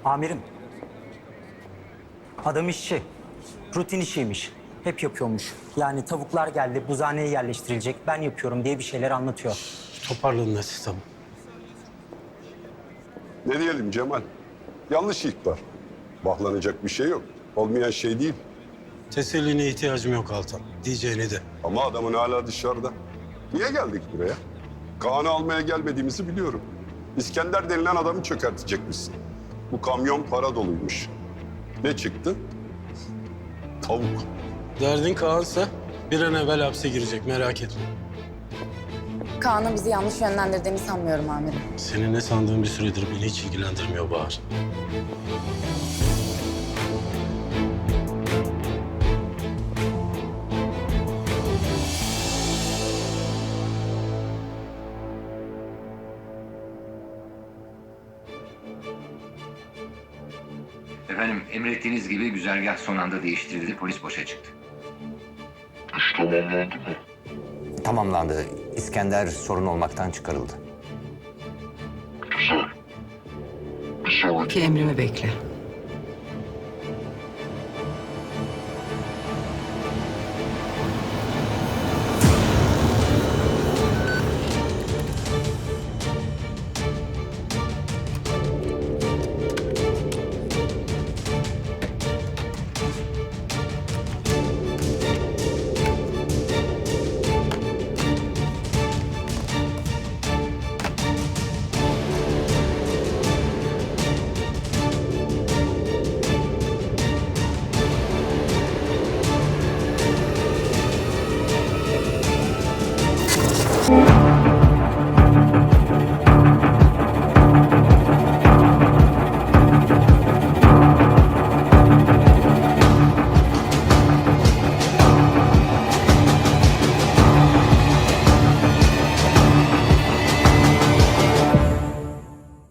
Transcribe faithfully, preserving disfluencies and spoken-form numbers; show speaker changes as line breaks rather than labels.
Amirim, adam işçi. Rutin işiymiş. Hep yapıyormuş. Yani tavuklar geldi, buzhaneye yerleştirilecek. Ben yapıyorum diye bir şeyler anlatıyor.
Toparlanın hadi, tamam.
Ne diyelim Cemal? Yanlış ihbar. Baklanacak bir şey yok. Olmayan şey değil.
Teselline ihtiyacım yok Altan. Diyeceğini de.
Ama adamın hala dışarıda. Niye geldik buraya? Kaan'ı almaya gelmediğimizi biliyorum. İskender denilen adamı çökertecekmişsin. Bu kamyon para doluymuş. Ne çıktı? Tavuk.
Derdin Kaan'sa bir an evvel hapse girecek, merak etme.
Kaan'ın bizi yanlış yönlendirdiğini sanmıyorum amirim.
Senin ne sandığın bir süredir beni hiç ilgilendirmiyor Bahar.
Efendim, emrettiğiniz gibi güzergah son anda değiştirildi. Polis boşa çıktı.
İş tamamlandı mı?
Tamamlandı. İskender sorun olmaktan çıkarıldı.
Güzel. Bir sonraki
Ki emrimi bekle.